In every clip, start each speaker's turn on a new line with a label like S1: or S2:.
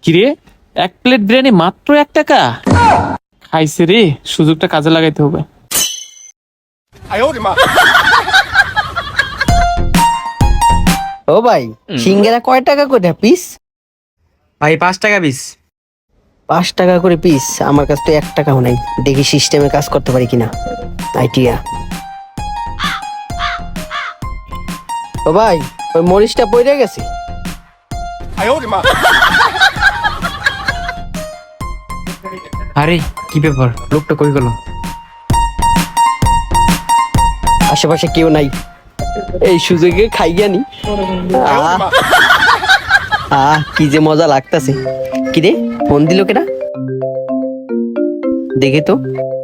S1: কিরে, এক প্লেট বিরিয়ানি মাত্র 1 টাকা? খাইছে রে, সুযোগটা কাজে লাগাইতে হবে।
S2: ও ভাই, সিঙ্গারা কয় টাকা করে পিস?
S3: ভাই 5 টাকা পিস।
S2: 5 টাকা করে পিস? আমার কাছে তো 1 টাকাও নাই। দেখি সিস্টেমে কাজ করতে পারি কিনা। আইডিয়া। ও ভাই, ওই মরিচটা পড়ে গেছে।
S3: আরে কি ব্যাপার, লোকটা কই গেল?
S2: আশেপাশে কেউ নাই, এই সুযোগে খাই জানি। কি যে মজা লাগতাছে। কিরে, ফোন দিল কেনা? দেখে তো।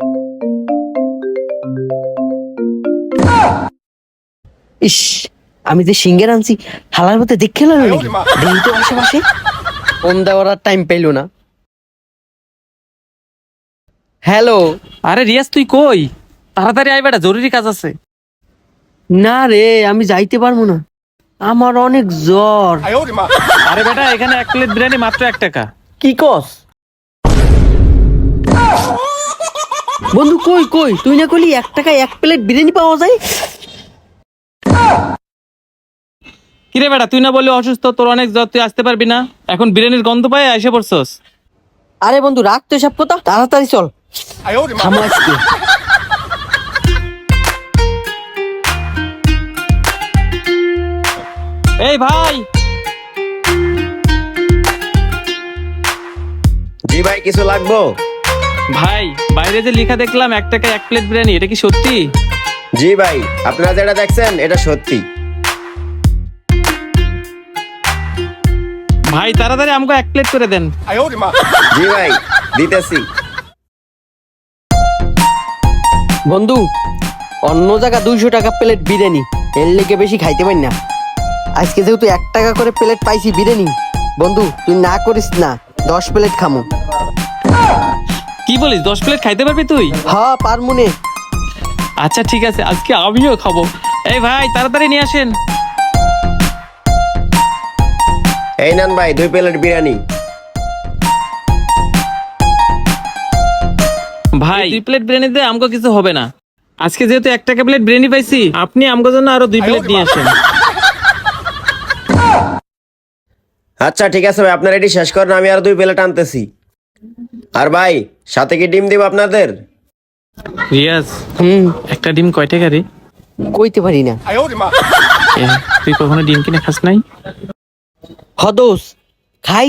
S2: ইস, আমি যে সিঙ্গার আনছি হালার মধ্যে দেখে এলো নাকি? দেখি তো আশেপাশে। ফোন দেওয়ার টাইম পেলো না। হ্যালো।
S1: আরে রিয়াজ, তুই কই? তাড়াতাড়ি আই বেটা, জরুরি কাজ আছে।
S2: না রে, আমি যাইতে পারবো না, আমার অনেক জ্বর।
S1: আরে বেটা, এখানে 1 প্লেট বিরিয়ানি মাত্র 1 টাকা।
S2: কি কস বন্ধু? কই কই, তুই না কইলি 1 টাকায় 1 প্লেট বিরিয়ানি পাওয়া যায়?
S1: কিরে বেটা, তুই না বললি অসুস্থ, তোর অনেক জ্বর, তুই আসতে পারবি না? এখন বিরিয়ানির গন্ধ পায় এসে পড়ছস।
S2: আরে বন্ধু, রাখ তো এসব কথা, তাড়াতাড়ি চল। থামো আজকে।
S1: এই ভাই,
S4: জি ভাই, কিছু লাগবো?
S1: ভাই বাইরে যে লেখা দেখলাম 1 টাকায় 1 প্লেট বিরিয়ানি, এটা কি সত্যি?
S4: জি ভাই, আপনারা যেটা দেখছেন এটা সত্যি।
S1: ভাই তাড়াতাড়ি আমাকে 1 প্লেট করে দেন।
S4: জি ভাই, দিতেছি।
S2: বন্ধু, অন্য জায়গা 200 টাকা প্লেট বিরিয়ানি, এর লেগে বেশি খাইতে পারি না। আজকে যেহেতু 1 টাকা করে প্লেট পাইছি বিরিয়ানি, বন্ধু তুই না করিস না, 10 প্লেট খামো।
S1: কি বলিস, 10 প্লেট খাইতে পারবি তুই?
S2: হ্যাঁ পারমুনে।
S1: আচ্ছা ঠিক আছে, আজকে আমিও খাবো। এই ভাই তাড়াতাড়ি নিয়ে আসেন।
S4: এই নেন ভাই 2 প্লেট বিরিয়ানি।
S1: ভাই 2 প্লেট বিরিয়ানিতে আমাকে কিছু হবে না। আজকে যেহেতু 1 টাকা প্লেট বিরিয়ানি পাইছি, আপনি আমাকে জন্য আরো 2 প্লেট নিয়ে আসেন।
S4: আচ্ছা ঠিক আছে ভাই, আপনারা এটি শেষ করেন, আমি আর 2 প্লেট আনতেছি। আর ভাই, সাথে কি ডিম দিব আপনাদের?
S1: রিয়াজ,
S2: হুম,
S1: একটা ডিম কয় টাকা রে?
S2: কইতে পারি না।
S1: তুই কখনো ডিম কিনে খাস নাই?
S2: হদোস খাই